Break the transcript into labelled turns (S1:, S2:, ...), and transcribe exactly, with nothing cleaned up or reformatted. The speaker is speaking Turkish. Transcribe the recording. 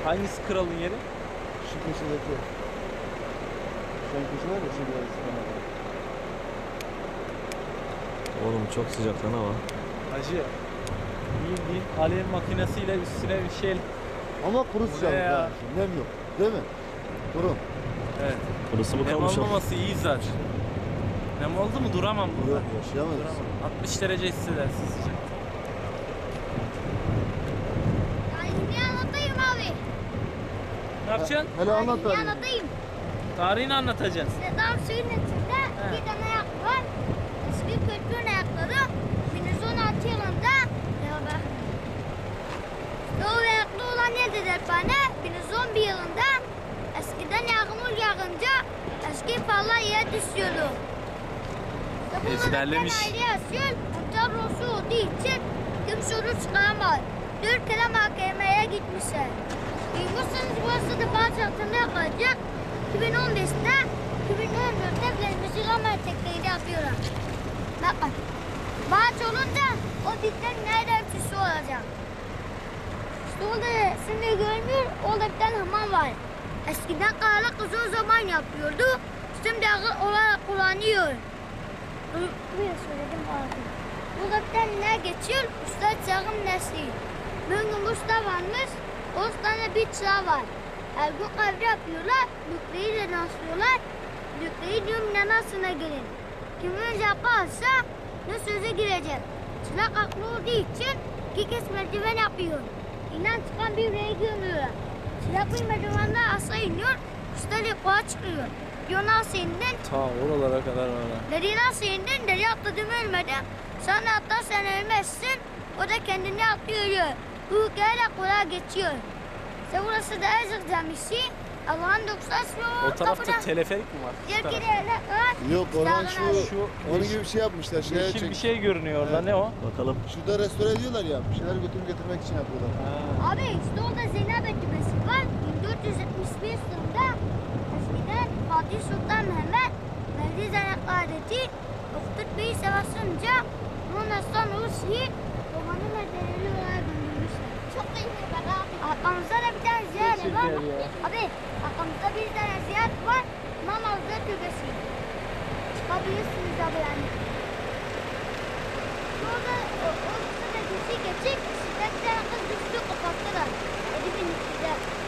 S1: Hangisi kralın yeri?
S2: Şu köşedeki. Şu köşe var ya, şu biraz kenarda.
S3: Oğlum çok sıcak lan hava.
S1: Hacı. Bildiğin alev makinesiyle üstüne bir şey.
S2: Ama kuru
S1: Bu
S2: sıcak
S1: ne ya?
S2: yani. Nem yok. Değil mi? Kuru.
S1: Evet.
S3: Burası mı
S1: Nem
S3: kalmış?
S1: olmaması iyi zaten. Nem oldu mu duramam burada.
S2: Yok, yaşayamayız.
S1: Duramam. altmış derece hissedersin sıcak.
S4: Tarihini anlatayım abi.
S1: Ne yapacaksın?
S2: Hele anlat
S4: Tarihini
S2: bari.
S4: anlatayım.
S1: Tarihini anlatacaksın.
S4: Sedan suyun içinde
S1: He.
S4: bir tane ayak var. Eski kültürün ayakları bin yüz on altı yılında beraber. O ayaklı olan nedir bana? bin yüz on bir yılında eskiden yağmur yağınca eski pallar yere düşüyordu.
S1: Ezberlemiş.
S4: Ayrı yaşıyor. Kurtar rosu olduğu için kim soru çıkaramaz. Dört kere mahkemeye gitmişler. Duymuşsanız burası da bazı altında kalacak. iki bin on beşte iki bin on dörtte Müzik Ama tekneyi yapıyorlar. Bakın. Bağış olunca o dipten nerede ötüsü olacak. İşte orada şimdi görmüyor, orada bir tane hamam var. Eskiden kayalık uzun zaman yapıyordu. Şimdi akıl olarak kullanıyor. Buraya söyledim abi. Burada bir tane ne geçiyor? Usta çağım nesli. Bugün usta varmış. O tane bir çıra var. Her gün kahve yapıyorlar. Lükreyi de naslıyorlar. Lükreyi diyorum nanasına gelin. Kim önce yaparsa ne söze girecek. Çırak aklı olduğu için iki kez merdiven yapıyor. İnan çıkan bir yüreği gömüyor. Çırak bir merdivenden aşağı iniyor. Usta yukarı çıkıyor. Diyor nasıl indin?
S1: Ta oralara kadar var.
S4: Deri nasıl indin? Deri atladım ölmedim. Sen atlarsan ölmezsin. O da kendini atlıyor. Bu hikayeyle kolay geçiyor. İşte burası da Ezek Camisi. Allah'ın doksan
S1: O tarafta teleferik mi var? Şu
S4: Diğer
S1: tarafta.
S4: kere var.
S2: Yok, oradan şu,
S1: Şu
S2: onun
S1: yeşil-
S2: gibi bir şey yapmışlar. Şeye
S1: Yeşil
S2: çek.
S1: bir şey görünüyor orada.
S2: Evet.
S1: Ne o?
S3: Bakalım.
S2: Şurada restore ediyorlar ya. Bir şeyler götürüp getirmek için yapıyorlar.
S1: Ha.
S4: Abi işte orada Zeynep Etibesi var. bin dört yüz yetmiş bir yılında eskiden Fatih Sultan Mehmet Mehdi Zeynep adeti Oktur Bey'i savaşınca bunun Aslan Rusi romanı medenileri olarak göndermişler. Çok iyi bak abi. Arkamızda da bir tane ziyaret
S1: Çok
S4: var.
S1: süper ya.
S4: Abi arkamızda bir tane ziyaret var. İmam Hazretleri Türbesi. Çıkabilirsiniz abi yani. Orada o, o sırada geçecek. Sizden bir tane kız düştü kapattılar. Elif'in içinde.